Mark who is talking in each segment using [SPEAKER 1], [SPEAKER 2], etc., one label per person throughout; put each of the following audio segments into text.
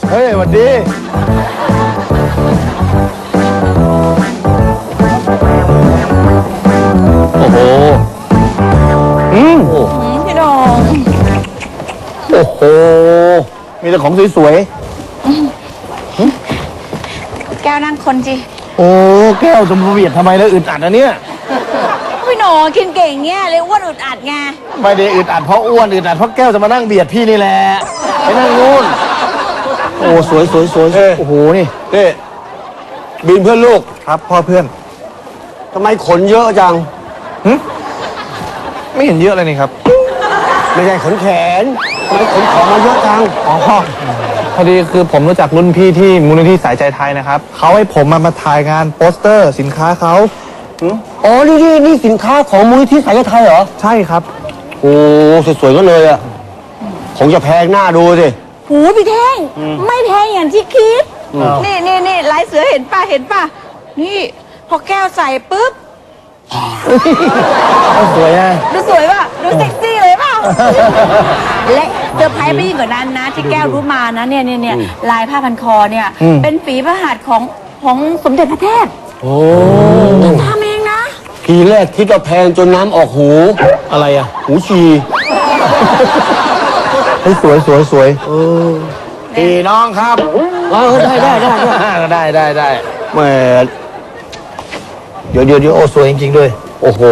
[SPEAKER 1] เฮ้ยสวัสดีโอ้โห
[SPEAKER 2] พี่โดง
[SPEAKER 1] โอ้โหมีแต่ของสวย
[SPEAKER 2] แก้วนั่งคนจี
[SPEAKER 1] ๆโอ้แก้วจะมาเบียดทำไมแล้วอึดอัดนะเนี่ย
[SPEAKER 2] พี่โหนกินเก่งเงี้ยเลยอ้วนอึดอัดไง
[SPEAKER 1] ไม่ได้อึดอัดเพราะอ้วนอึดอัดเพราะแก้วจะมานั่งเบียดพี่นี่แหละไปนั่งนู่นโอ้สวยโอ้โหนี่
[SPEAKER 3] บินเพื่อนลูก
[SPEAKER 1] ครับพ่อเพื่อน
[SPEAKER 3] ทำไมขนเยอะจัง
[SPEAKER 1] ไม่เห็นเยอะเลยนี่ครับ
[SPEAKER 3] ไม่ใช่ขนแขนทำไมขนของมาเยอะจัง
[SPEAKER 4] อ๋อพอดีคือผมรู้จักรุ่นพี่ที่มูลนิธิสายใจไทยนะครับเขาให้ผมมาถ่ายงานโปสเตอร์สินค้าเขา
[SPEAKER 3] อ๋อนี่สินค้าของมูลนิธิสายไทยเหรอ
[SPEAKER 4] ใช่ครับ
[SPEAKER 3] โอ้สวยๆก็เลยอ่ะคงจะแพงหน้าดูสิ
[SPEAKER 2] หูพี่เท่งไม่แพงอย่างที่คิดนี่ลายเสือเห็นป่ะนี่พอแก้วใส่ปุ๊บ
[SPEAKER 1] สวยอ่ะ
[SPEAKER 2] ดูสวยป่ะดูเซ็กซี่เลยป่ะและเซอร์ไพรส์ไปยิ่งกว่านั้นนะที่แก้วรู้มานะเนี่ยลายผ้าพันคอเนี่ยเป็นฝีพระหัตถ์ของสมเด็จพระเทพ
[SPEAKER 3] โอ้
[SPEAKER 2] ทำเองนะ
[SPEAKER 3] ทีแรกคิดว่าแพงจนน้ำออกหู
[SPEAKER 1] อะไรอ่ะ
[SPEAKER 3] หูฉี่
[SPEAKER 1] เฮ้ยสวยพี่น้องครับ
[SPEAKER 3] ได้
[SPEAKER 1] ได้แหมเดี๋ยวโอ้สวยจริงๆด้วย
[SPEAKER 3] โอ้โห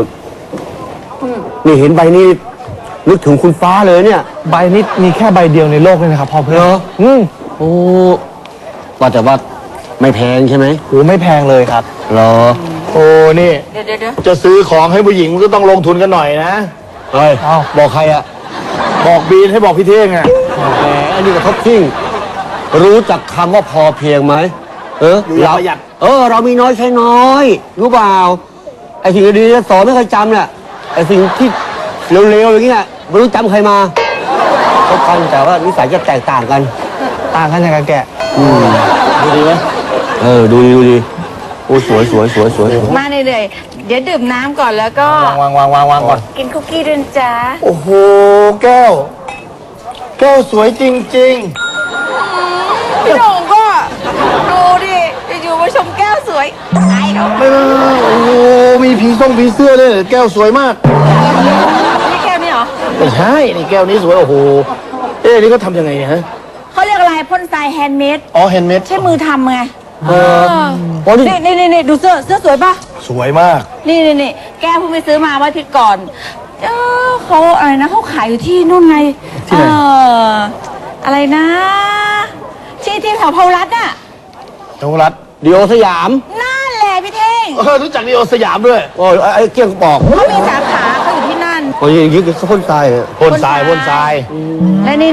[SPEAKER 3] นี่เห็นใบนี้นึกถึงคุณฟ้าเลยเนี่ย
[SPEAKER 4] ใบนี้มีแค่ใบเดียวในโลกเลยนะครับพ่อเพื่อน
[SPEAKER 3] เหรอ โอ้ว่าแต่ว่าไม่แพงใช่ไหม
[SPEAKER 4] โหไม่แพงเลยครับ
[SPEAKER 3] เหรอ
[SPEAKER 1] โอ้นี่
[SPEAKER 2] เดี๋ยว
[SPEAKER 1] จะซื้อของให้ผู้หญิงมันก็ต้องลงทุนกันหน่อยนะ
[SPEAKER 3] เฮ้ย
[SPEAKER 4] เอ้า
[SPEAKER 3] บอกใครอะ
[SPEAKER 1] บอกบีนให้บอกพี่เท่งอ่ะ
[SPEAKER 3] แหมอันนี้ก็ท็อปทิ้งรู้จักคำว่าพอเพียงไหม
[SPEAKER 1] อยู่อย่างประหยัด
[SPEAKER 3] เรามีน้อยใช้น้อย รู้เปล่าไอ้สิ่งดีๆสอนไม่เคยจำเนี่ยไอ้สิ่งที่เร็วๆอย่างนี้น่ะไม่รู้จำใครมาเขากันแต่ว่านิสัยจะแตกต่างกัน
[SPEAKER 4] ต่างกันยังไงแก
[SPEAKER 1] ดูดีไหม
[SPEAKER 3] ดูดีโอ้สวย
[SPEAKER 2] มาเลยเดี๋ยวดื่มน้ำก่อนแล้วก็
[SPEAKER 1] วางก่อน
[SPEAKER 2] กินคุกกี้ด้วยจ้า
[SPEAKER 1] โอ้โหแก้วสวยจริง
[SPEAKER 2] พี่โด่งก็ดูดิอยู่มาชมแก้วสวยไอ้เขา
[SPEAKER 1] ๆไม่โอ้โหมีผีเสื้อด้วยแก้วสวยมาก
[SPEAKER 2] นี่แก้วนี่เหรอ
[SPEAKER 1] ไม่ใช่นี่แก้วนี้สวยโอ้โหนี่ก็ทำยังไงเนี่ยฮะ
[SPEAKER 2] เขาเรียกอะไรพ่นทรายแฮนด์เมด
[SPEAKER 1] อ๋อแฮนด์เมด
[SPEAKER 2] ใช้มือทำไง
[SPEAKER 1] โอ้นี่
[SPEAKER 2] นี่ดูเสื้อสวยป่ะ
[SPEAKER 1] สวยมาก
[SPEAKER 2] นี่แก้วเพิ่งไปซื้อมาวันอาทิตย์ก่อนเขาอะไรนะเขาขายอยู่ที่นู่นไง
[SPEAKER 1] ที่ไหน
[SPEAKER 2] อะไรนะที่แถวพารัตน์น่ะ
[SPEAKER 1] นวรัตน์
[SPEAKER 3] ดีโอสยาม
[SPEAKER 2] นั่นแหละพี่เท่ง
[SPEAKER 1] รู้จักดีโอสยามด้วย
[SPEAKER 3] โอ้ยไอ้เกี้ยงปอก
[SPEAKER 2] เขามีสาขาเขาอยู่ที่นั่น
[SPEAKER 3] โอ้ยอย่างนี้เขาพ่นทรายอะ
[SPEAKER 1] พ่นทราย
[SPEAKER 2] และนี่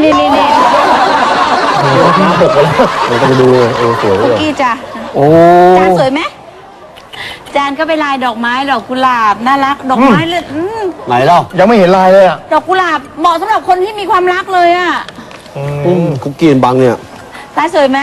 [SPEAKER 1] น้ำหกแล้ว
[SPEAKER 3] เราต้องไปดูเลยสวย
[SPEAKER 2] คุกกี้จ้ะ
[SPEAKER 3] โอ้
[SPEAKER 2] จานสวยไหมจานก็เป็นลายดอกไม้ดอกกุหลาบน่ารักดอกไม้เลย
[SPEAKER 3] ไหนเล่า
[SPEAKER 1] ยังไม่เห็นลายเลยอ่ะ
[SPEAKER 2] ดอกกุหลาบเหมาะสำหรับคนที่มีความรักเลยอ่ะ
[SPEAKER 3] คุกกี้บังเนี่ย
[SPEAKER 2] ลายสวยไหม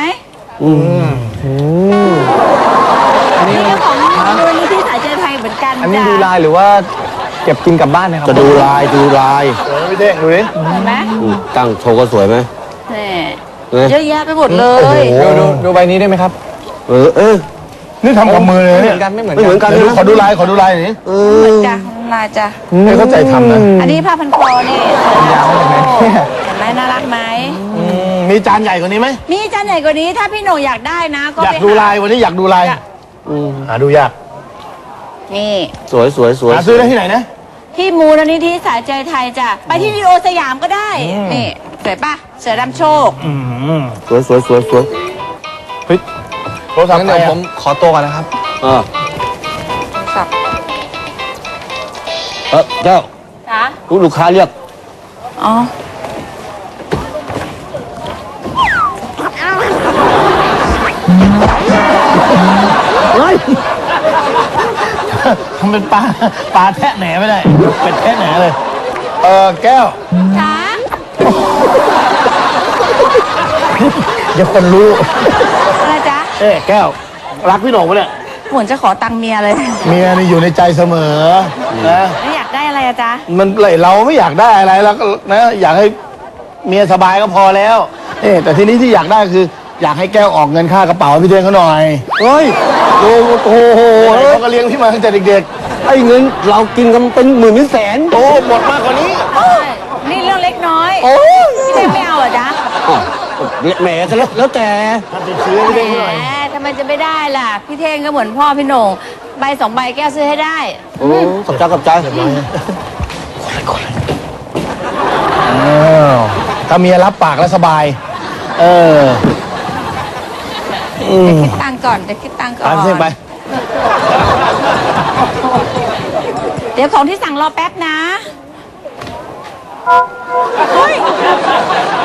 [SPEAKER 2] นี่ก็ของมูลนิธิสายใจไทยเหมือนกัน
[SPEAKER 4] อันนี้
[SPEAKER 2] จ้ะ
[SPEAKER 4] ดูลายหรือว่าเก็บกินกลับบ้านนะครับ
[SPEAKER 3] จะดูลาย
[SPEAKER 1] สวยพี่เท่งดูดิ
[SPEAKER 2] เห็นไหม
[SPEAKER 3] ตั้งโชว์ก็สวยไหม
[SPEAKER 2] นี่เยอะแยะไปหมดเลย
[SPEAKER 4] ดูใบนี้ได้ไหมครับ
[SPEAKER 1] นี่ทำกับมือเลย
[SPEAKER 4] ไม่เหมื
[SPEAKER 1] เนี่
[SPEAKER 4] อย นกันไม่เหมือน
[SPEAKER 3] ไม่เหมือน
[SPEAKER 4] กั
[SPEAKER 3] กัน น
[SPEAKER 1] ขอดูลายหน่อย
[SPEAKER 2] เหมือนจ้ะลายจ้ะ
[SPEAKER 1] ให้เข้าใจทำนะ
[SPEAKER 2] อันนี้ผ้าพันคอนี่
[SPEAKER 4] ยาวมาจากไหนเนี่ย
[SPEAKER 2] เห็นไหมน่ารักไหม
[SPEAKER 1] มีจานใหญ่กว่านี้ไหม
[SPEAKER 2] มีจานใหญ่กว่านี้ถ้าพี่โหน่งอยากได้นะก็
[SPEAKER 1] อยาก
[SPEAKER 2] ไป
[SPEAKER 1] ดู
[SPEAKER 2] หา
[SPEAKER 1] ลายวันนี้อยากดูลายหาดูยาก
[SPEAKER 2] นี่
[SPEAKER 3] สวย
[SPEAKER 1] หาซื้อได้ที่ไหนนะ
[SPEAKER 2] ที่มูลนิธิสายใจไทยจ้ะไปที่ดีโอสยามก็ได้นี่สวยปะเสือดำโชค
[SPEAKER 3] สวย
[SPEAKER 4] เฮ้ย
[SPEAKER 1] โทรศัพท์
[SPEAKER 4] งั้น
[SPEAKER 1] ใคร
[SPEAKER 4] เดี๋ยว
[SPEAKER 1] อะ
[SPEAKER 4] ผมขอตัวก่อนนะครับ
[SPEAKER 2] สับ
[SPEAKER 3] เจ้า
[SPEAKER 2] จ้ะ
[SPEAKER 3] ลูกค้าเรียก
[SPEAKER 2] อ๋อ
[SPEAKER 1] ทำเป็นปลาแทะแหนไม่ได้เป็ดแทะแหนเลยแก้ว
[SPEAKER 2] จ้ะ
[SPEAKER 1] เดี๋ยวคนรู้
[SPEAKER 2] อะไรจ๊ะ
[SPEAKER 1] แก้วรักพี่โหน่งปะเนี่ย
[SPEAKER 2] เหมือนจะขอตังค์เมียเลย
[SPEAKER 1] เมียนี่อยู่ในใจเสมอนะ
[SPEAKER 2] แล้วอยากได้อะไรอะจ๊ะ
[SPEAKER 1] มันเราไม่อยากได้อะไรแล้วนะอยากให้เมียสบายก็พอแล้วแต่ทีนี้ที่อยากได้คือ อยากให้แก้วออกเงินค่ากระเป๋าให้พี่เท่งเขาหน่อย
[SPEAKER 3] เฮ้ยโอ้โห
[SPEAKER 1] เขาก็เลี้ยงพี่มาตั้งแต่เด็ก
[SPEAKER 3] ไอ้เงินเรากินกันเป็นหมื่นเป็นแสน
[SPEAKER 1] ๆโอ้หมดมากกว่านี้
[SPEAKER 2] นี่เรื่องเล็กน้อย
[SPEAKER 3] โอ้ย
[SPEAKER 2] พี่เท่งไม่เอาเหรอจ๊ะ
[SPEAKER 3] แหมก็แล้วแต่
[SPEAKER 1] ถ้าจะซื้อให้พี่เท่งหน่อย
[SPEAKER 2] แหมทำไมจะไม่ได้ล่ะ พี่เท่งก็เหมือนพ่อพี่โหน่งใบ2 ใบแก้วซื้อให้ได้
[SPEAKER 3] โอ้ขอบใจขอบใจ
[SPEAKER 1] ถ้าเมียรับปากแล้วสบาย
[SPEAKER 2] เดี๋ยวคิดตังค์ก่อนเดี๋ยวคิดตังค์ก่อน
[SPEAKER 1] ตามเท่งไป
[SPEAKER 2] เดี๋ยวของที่สั่งรอแป๊บนะ เฮ้ย